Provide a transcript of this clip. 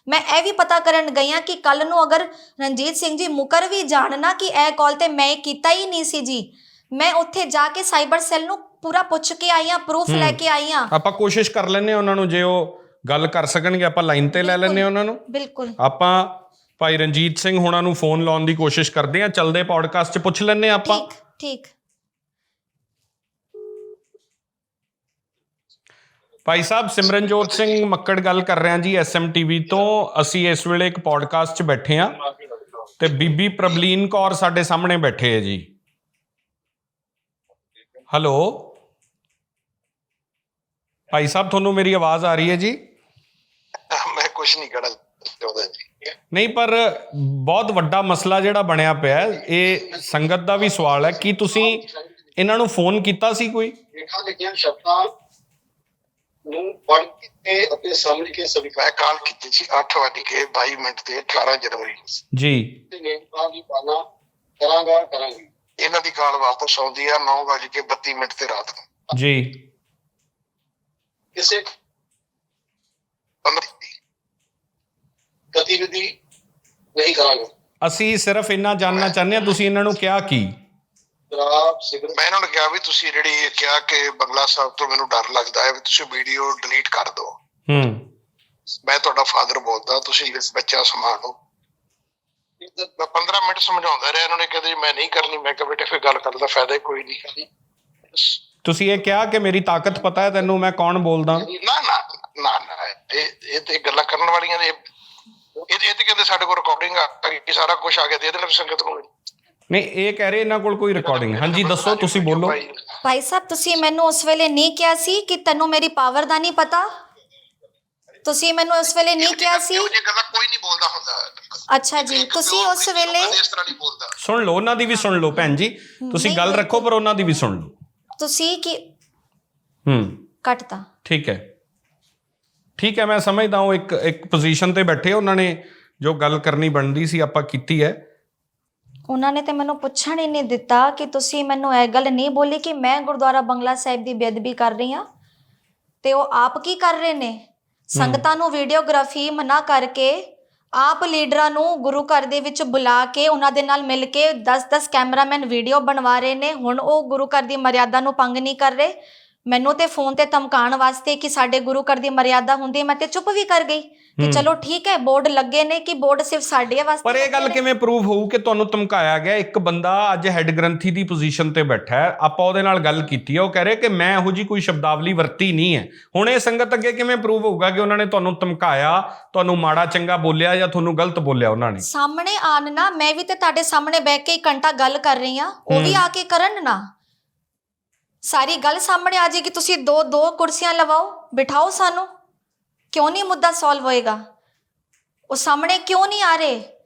मैं यह भी पता करन गई हाँ कि कल नूं अगर रणजीत सिंह जी मुकर भी जाण ना कि यह कॉल ते मैं कीता ही नहीं सी जी, मैं उत्थे जाके साइबर सैल नूं पूरा पुछ के आई हाँ, प्रूफ लैके आई हाँ। ਆਪਾਂ ਕੋਸ਼ਿਸ਼ ਕਰ ਲੈਂਦੇ ਹਾਂ ਉਹਨਾਂ ਨੂੰ, ਜੇ ਉਹ ਗੱਲ ਕਰ ਸਕਣਗੇ ਆਪਾਂ ਲਾਈਨ ਤੇ ਲੈ ਲੈਂਦੇ ਹਾਂ ਉਹਨਾਂ ਨੂੰ। बिल्कुल ਆਪਾਂ ਭਾਈ ਰਣਜੀਤ ਸਿੰਘ ਹੋਣਾ ਨੂੰ ਫੋਨ ਲਾਉਣ ਦੀ ਕੋਸ਼ਿਸ਼ ਕਰਦੇ ਹਾਂ, ਚੱਲਦੇ ਪੋਡਕਾਸਟ 'ਚ ਪੁੱਛ ਲੈਂਦੇ ਹਾਂ ਆਪਾਂ। ठीक ठीक। ਭਾਈ ਸਾਹਿਬ, ਸਿਮਰਨਜੋਤ ਸਿੰਘ ਮੱਕੜ ਗੱਲ ਕਰ ਰਿਹਾ ਜੀ SMTV ਤੋਂ। ਅਸੀਂ ਇਸ ਵੇਲੇ ਇੱਕ ਪੋਡਕਾਸਟ 'ਚ ਬੈਠੇ ਹਾਂ ਤੇ ਬੀਬੀ ਪ੍ਰਬਲੀਨ ਕੌਰ ਸਾਡੇ ਸਾਹਮਣੇ ਬੈਠੇ ਹੈ ਜੀ। ਹੈਲੋ ਭਾਈ ਸਾਹਿਬ, ਤੁਹਾਨੂੰ ਮੇਰੀ ਆਵਾਜ਼ ਆ ਰਹੀ ਹੈ ਜੀ? ਮੈਂ ਕੁਝ ਨਹੀਂ ਕਹਿਣਾ ਚਾਹੁੰਦਾ ਜੀ। ਨਹੀਂ, ਪਰ ਬਹੁਤ ਵੱਡਾ ਮਸਲਾ ਜਿਹੜਾ ਬਣਿਆ ਪਿਆ, ਇਹ ਸੰਗਤ ਦਾ ਵੀ ਸਵਾਲ ਹੈ, ਕੀ ਤੁਸੀਂ ਇਹਨਾਂ ਨੂੰ ਫੋਨ ਕੀਤਾ ਸੀ ਕੋਈ? ਲਿਖਾਂ ਲਿਖੀਆਂ ਸ਼ਬਦਾਂ ਨੂੰ ਪੜ੍ਹ ਕੇ ਅਤੇ ਸਮਝ ਕੇ ਸਵੀਕਾਰ ਕਾਲ ਕੀਤੀ ਸੀ 8:22 ਤੇ 18 ਜਨਵਰੀ ਜੀ। ਤੇ ਨੇਤਾਂ ਦੀ ਪਾਲਣਾ ਕਰਾਂਗੇ। ਇਹਨਾਂ ਦੀ ਕਾਲ ਵਾਪਸ ਆਉਂਦੀ ਆ 9:32 ਤੇ ਰਾਤ ਨੂੰ ਜੀ। ਕਿਸੇ ਗਤੀਵਿਧੀ ਨਹੀਂ ਕਰਾਂਗੇ। ਅਸੀਂ ਸਿਰਫ ਇੰਨਾ ਜਾਣਨਾ ਚਾਹੁੰਦੇ ਹਾਂ, ਤੁਸੀਂ ਇਹਨਾਂ ਨੂੰ ਕਿਹਾ ਕੀ? ਮੈਂ ਇਹਨਾਂ ਨੂੰ ਕਿਹਾ ਵੀ ਤੁਸੀਂ ਜਿਹੜੀ ਕਿਹਾ ਕਿ ਬੰਗਲਾ ਸਾਹਿਬ ਤੋਂ ਮੈਨੂੰ ਡਰ ਲੱਗਦਾ ਹੈ, ਵੀ ਤੁਸੀਂ ਵੀਡੀਓ ਡਿਲੀਟ ਕਰ ਦਿਓ। ਮੈਂ ਤੁਹਾਡਾ ਫਾਦਰ ਬੋਲਦਾ, ਤੁਸੀਂ ਬੱਚਾ ਸੰਭਾਲੋ। ਮੈਂ 15 ਮਿੰਟ ਸਮਝਾਉਂਦਾ ਰਿਹਾ, ਇਹਨਾਂ ਨੇ ਕਹਿੰਦੇ ਮੈਂ ਨਹੀਂ ਕਰਨੀ। ਮੈਂ ਕਿਹਾ ਬੇਟੇ ਫਿਰ ਗੱਲ ਕਰਨ ਦਾ ਫਾਇਦਾ ਕੋਈ ਨਹੀਂ। ਤੁਸੀਂ ਇਹ ਕਿਹਾ ਕਿ ਮੇਰੀ ਤਾਕਤ ਪਤਾ ਹੈ ਤੈਨੂੰ, ਮੈਂ ਕੌਣ ਬੋਲਦਾ? ਨਾ ਨਾ ਨਾ ਨਾ, ਇਹ ਤੇ ਗੱਲਾਂ ਕਰਨ ਵਾਲੀਆਂ ਨੇ। ਇਹ ਤੇ ਕਹਿੰਦੇ ਸਾਡੇ ਕੋਲ ਰਿਕਾਰਡਿੰਗ ਆ ਗਈ, ਸਾਰਾ ਕੁਝ ਆ ਗਿਆ, ਦੇ ਦੇਣਾ ਸੰਗਤ ਨੂੰ। ਨਹੀਂ, ਇਹ ਕਹਿ ਰਹੇ ਇਹਨਾਂ ਕੋਲ ਕੋਈ ਰਿਕਾਰਡਿੰਗ। ਹਾਂਜੀ ਦੱਸੋ, ਤੁਸੀਂ ਬੋਲੋ। भाई साहब, तुसी मैनू उस वेले नहीं किया सी कि तैनू मेरी पावर दा नहीं पता? तुसी मैनू उस वेले नहीं किया सी? ਇਹ ਗੱਲਾਂ ਕੋਈ ਨਹੀਂ ਬੋਲਦਾ ਹੁੰਦਾ। अच्छा जी, तुसी उस वेले ਇਸ ਤਰ੍ਹਾਂ ਨਹੀਂ ਬੋਲਦਾ। ਸੁਣ ਲਓ, ਉਹਨਾਂ ਦੀ ਵੀ ਸੁਣ ਲਓ ਭੈਣ ਜੀ। ਤੁਸੀਂ ਗੱਲ ਰੱਖੋ ਪਰ ਉਹਨਾਂ ਦੀ ਵੀ ਸੁਣ ਲਓ। तुसी की ਕੱਟਤਾ। ਠੀਕ ਹੈ, ਠੀਕ ਹੈ, ਮੈਂ ਸਮਝਦਾ ਹਾਂ। ਇੱਕ ਪੋਜੀਸ਼ਨ ਤੇ ਬੈਠੇ, ਉਹਨਾਂ ਨੇ ਜੋ ਗੱਲ ਕਰਨੀ ਬਣਦੀ ਸੀ ਆਪਾਂ ਕੀਤੀ ਹੈ। ਉਹਨਾਂ ਨੇ ਤੇ ਮੈਨੂੰ ਪੁੱਛਣ ਹੀ ਨਹੀਂ ਦਿੱਤਾ ਕਿ ਤੁਸੀਂ ਮੈਨੂੰ ਇਹ ਗੱਲ ਨਹੀਂ ਬੋਲੀ ਕਿ ਮੈਂ ਗੁਰਦੁਆਰਾ ਬੰਗਲਾ ਸਾਹਿਬ ਦੀ ਬੇਅਦਬੀ ਕਰ ਰਹੀ ਹਾਂ। ਤੇ ਉਹ ਆਪ ਕੀ ਕਰ ਰਹੇ ਨੇ? ਸੰਗਤਾਂ ਨੂੰ ਵੀਡੀਓਗ੍ਰਾਫੀ ਮਨਾ ਕਰਕੇ, ਆਪ ਲੀਡਰਾਂ ਨੂੰ ਗੁਰੂ ਘਰ ਦੇ ਵਿੱਚ ਬੁਲਾ ਕੇ ਉਹਨਾਂ ਦੇ ਨਾਲ ਮਿਲ ਕੇ 10-10 ਕੈਮਰਾਮੈਨ ਵੀਡੀਓ ਬਣਵਾ ਰਹੇ ਨੇ। ਹੁਣ ਉਹ ਗੁਰੂ ਘਰ ਦੀ ਮਰਿਆਦਾ ਨੂੰ ਭੰਗ ਨਹੀਂ ਕਰ ਰਹੇ। ਮੈਨੂੰ ਤੇ ਫੋਨ ਤੇ ਧਮਕਾਉਣ ਵਾਸਤੇ ਕਿ ਸਾਡੇ ਗੁਰੂ ਘਰ ਦੀ ਮਰਿਆਦਾ ਹੁੰਦੀ, ਮੈਂ ਤੇ ਚੁੱਪ ਵੀ ਕਰ ਗਈ ਕਿ ਚਲੋ ਠੀਕ ਹੈ, ਬੋਰਡ ਲੱਗੇ ਨੇ ਕਿ ਬੋਰਡ ਸਿਰਫ ਸਾਡੇ ਵਾਸਤੇ। ਪਰ ਇਹ ਗੱਲ ਕਿਵੇਂ ਪ੍ਰੂਵ ਹੋਊ ਕਿ ਤੁਹਾਨੂੰ ਧਮਕਾਇਆ ਗਿਆ? ਇੱਕ ਬੰਦਾ ਅੱਜ ਹੈਡ ਗ੍ਰੰਥੀ ਦੀ ਪੋਜੀਸ਼ਨ ਤੇ ਬੈਠਾ ਹੈ, ਆਪਾਂ ਉਹਦੇ ਨਾਲ ਗੱਲ ਕੀਤੀ ਹੈ, ਉਹ ਕਹਿ ਰਿਹਾ ਕਿ ਮੈਂ ਇਹੋ ਜਿਹੀ ਕੋਈ ਸ਼ਬਦਾਵਲੀ ਵਰਤੀ ਨਹੀਂ ਹੈ। ਹੁਣ ਇਹ ਸੰਗਤ ਅੱਗੇ ਕਿਵੇਂ ਪ੍ਰੂਵ ਹੋਊਗਾ ਕਿ ਉਹਨਾਂ ਨੇ ਤੁਹਾਨੂੰ ਧਮਕਾਇਆ, ਤੁਹਾਨੂੰ ਮਾੜਾ ਚੰਗਾ ਬੋਲਿਆ ਜਾਂ ਤੁਹਾਨੂੰ ਗਲਤ ਬੋਲਿਆ ਉਹਨਾਂ ਨੇ? ਸਾਹਮਣੇ ਆਣ ਨਾ, ਮੈਂ ਵੀ ਤੇ ਤੁਹਾਡੇ ਸਾਹਮਣੇ ਬੈਠ ਕੇ 1 ਘੰਟਾ ਗੱਲ ਕਰ ਰਹੀ ਹਾਂ, ਉਹ ਵੀ ਆ ਕੇ ਕਰਨ ਨਾ। ਸਾਰੀ ਗੱਲ ਸਾਹਮਣੇ ਆ ਜਾਏਗੀ। ਤੁਸੀਂ ਦੋ ਕੁਰਸੀਆਂ ਲਵਾਓ, ਬਿਠਾਓ ਸਾਨੂੰ। ਕਿਉਂ ਨਹੀਂ ਮੁੱਦਾ ਸੋਲਵ ਹੋਏਗਾ? ਉਹ ਸਾਹਮਣੇ ਕਿਉਂ ਨਹੀਂ ਆ ਰਹੇ?